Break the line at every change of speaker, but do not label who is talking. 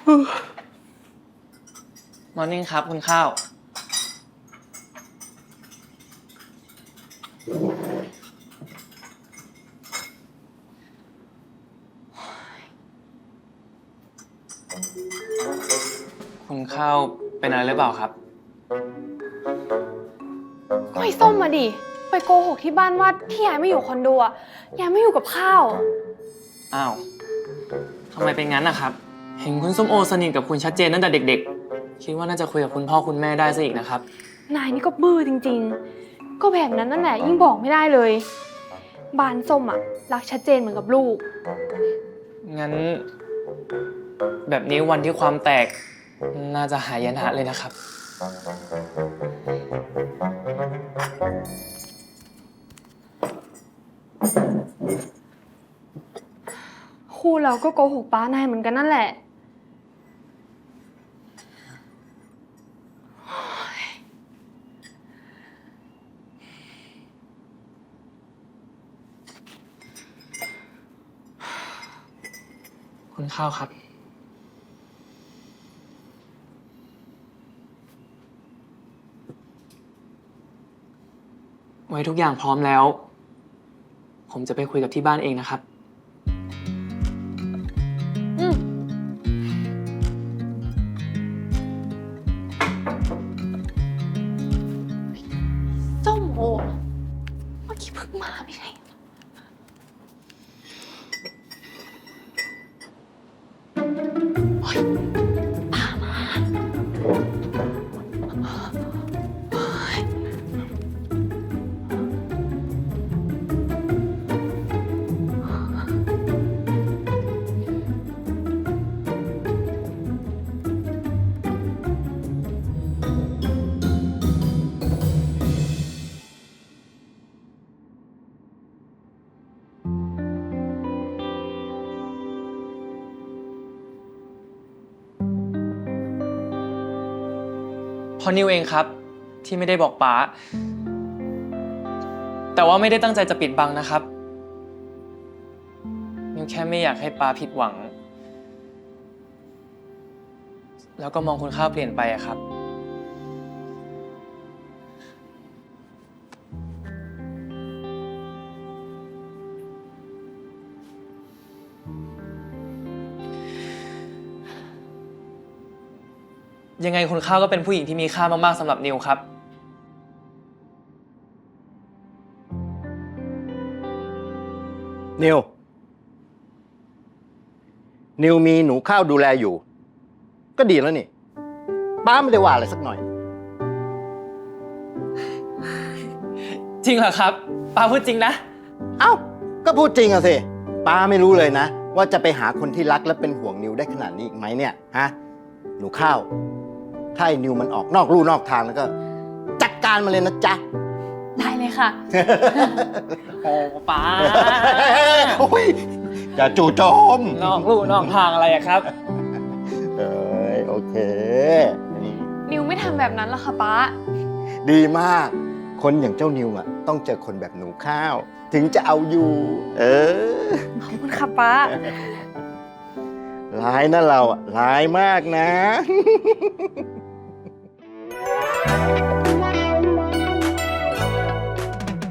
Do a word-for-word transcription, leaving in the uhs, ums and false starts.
มอร์นิ่งครับคุณข้าวคุณข้าวเป็นอะไรหรือเปล่าครับ
ก็ไอ้ส้มมาดิไปโกหกที่บ้านว่าที่ยายไม่อยู่คอนโดอะยายไม่อยู่กับข้าว
อ้าวทำไมเป็นงั้นนะครับเห็นคุณส้มโอสนิทกับคุณชัดเจนตั้งแต่เด็กๆคิดว่าน่าจะคุยกับคุณพ่อคุณแม่ได้ซะอีกนะครับ
นายนี่ก็บื้อจริงๆก็แบบนั้นนั่นแหละยิ่งบอกไม่ได้เลยบ้านส้มอะรักชัดเจนเหมือนกับลูก
งั้นแบบนี้วันที่ความแตกน่าจะหายนะเลยนะครับ
คู่เราก็โกหกป้านายเหมือนกันนั่นแหละ
คุณข้าวครับไว้ทุกอย่างพร้อมแล้วผมจะไปคุยกับที่บ้านเองนะครับ
อืมส้มโอเมื่อกี้เพิ่งมาไม่ใช่ตามมา
พอนิวเองครับที่ไม่ได้บอกป๋าแต่ว่าไม่ได้ตั้งใจจะปิดบังนะครับนิวแค่ไม่อยากให้ป๋าผิดหวังแล้วก็มองคุณข้าวเปลี่ยนไปอะครับยังไงคุณข้าวก็เป็นผู้หญิงที่มีค่ามากๆสำหรับนิวครับ
นิว นิวมีหนูข้าวดูแลอยู่ ก็ดีแล้วนี่ป้าไม่ได้ว่าอะไรสักหน่อย
จริงเหรอครับป๋าพูดจริงนะ
เอ้า ก็พูดจริงอะสิป้าไม่รู้เลยนะว่าจะไปหาคนที่รักและเป็นห่วงนิวได้ขนาดนี้อีกไหมเนี่ยฮะหนูข้าวถ้าไอ้นิวมันออกนอกลู่นอกทางแล้วก็จัดการมาเลยนะจ๊ะ
ได้เลยค่ะ
โอ้ป๋า
โอ้ยอย่าจู่โจม
นอกลู่นอกทางอะไรอะครับ
เอ้ยโอเค
นิวไม่ทำแบบนั้นหรอกค่ะป้า
ดีมาก คนอย่างเจ้านิวอ่ะต้องเจอคนแบบหนูข้าว ถึงจะเอาอยู่ เออ
ขอบคุณค่ะป้า
ร้ายนะเราอ่ะร้ายมากนะ